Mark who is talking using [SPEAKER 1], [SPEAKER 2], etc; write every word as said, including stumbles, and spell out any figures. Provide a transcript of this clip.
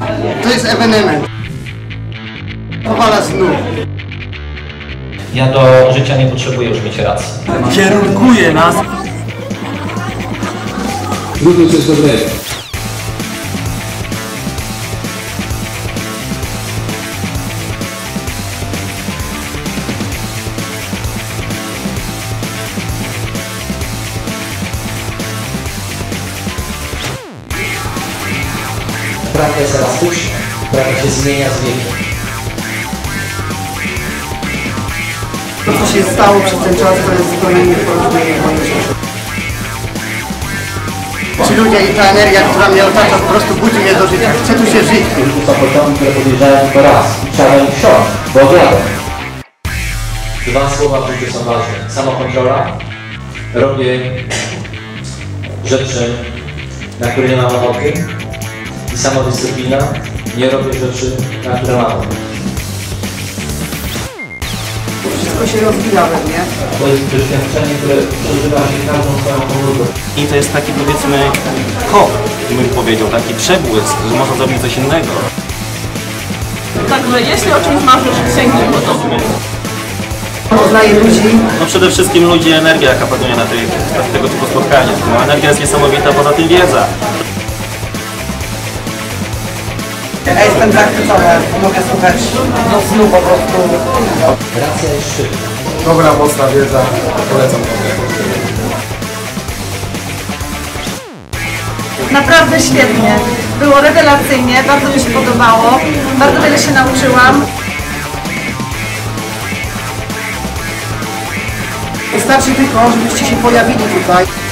[SPEAKER 1] To jest ewenement. Powala znów.
[SPEAKER 2] Ja do życia nie potrzebuję już mieć racji.
[SPEAKER 3] Kierunkuje nas.
[SPEAKER 4] Lubię coś dobrego.
[SPEAKER 2] Prawda jest elastyczna, prawda się zmienia z wiekiem.
[SPEAKER 1] To, co się stało przez ten czas, to jest zupełnie nieporozumienie w moim życiu. Ci ludzie i ta energia, która mnie otacza, po prostu budzi mnie do życia. Chcę tu się żyć.
[SPEAKER 2] Są początki, które podjeżdżają tylko raz. Trzeba ich wsiąść, bo wiadomo. Dwa słowa w życiu są ważne. Samokontrola. Robię rzeczy, na które nie mam ochoty. I samodyscyplina. Nie robię rzeczy, na które mam ochotę.
[SPEAKER 1] Wszystko się rozwija we mnie.
[SPEAKER 2] To jest doświadczenie, które przeżywa się każdą swoją komórką.
[SPEAKER 3] I to jest taki, powiedzmy, kop, bym powiedział, taki przebłysk, że można zrobić coś innego.
[SPEAKER 5] Także jeśli o czymś marzysz, sięgnij po to.
[SPEAKER 1] Poznaję ludzi.
[SPEAKER 3] No przede wszystkim ludzi, energia, jaka panuje na, tej, na tego typu spotkaniach. No, energia jest niesamowita, poza tym wiedza.
[SPEAKER 1] Ja jestem zachwycony, mogę słuchać do snu po prostu.
[SPEAKER 2] Racja jest szybka.
[SPEAKER 4] Dobra, mocna wiedza. Polecam.
[SPEAKER 5] Naprawdę świetnie. Było rewelacyjnie, bardzo mi się podobało. Bardzo wiele się nauczyłam.
[SPEAKER 1] Wystarczy tylko, żebyście się pojawili tutaj.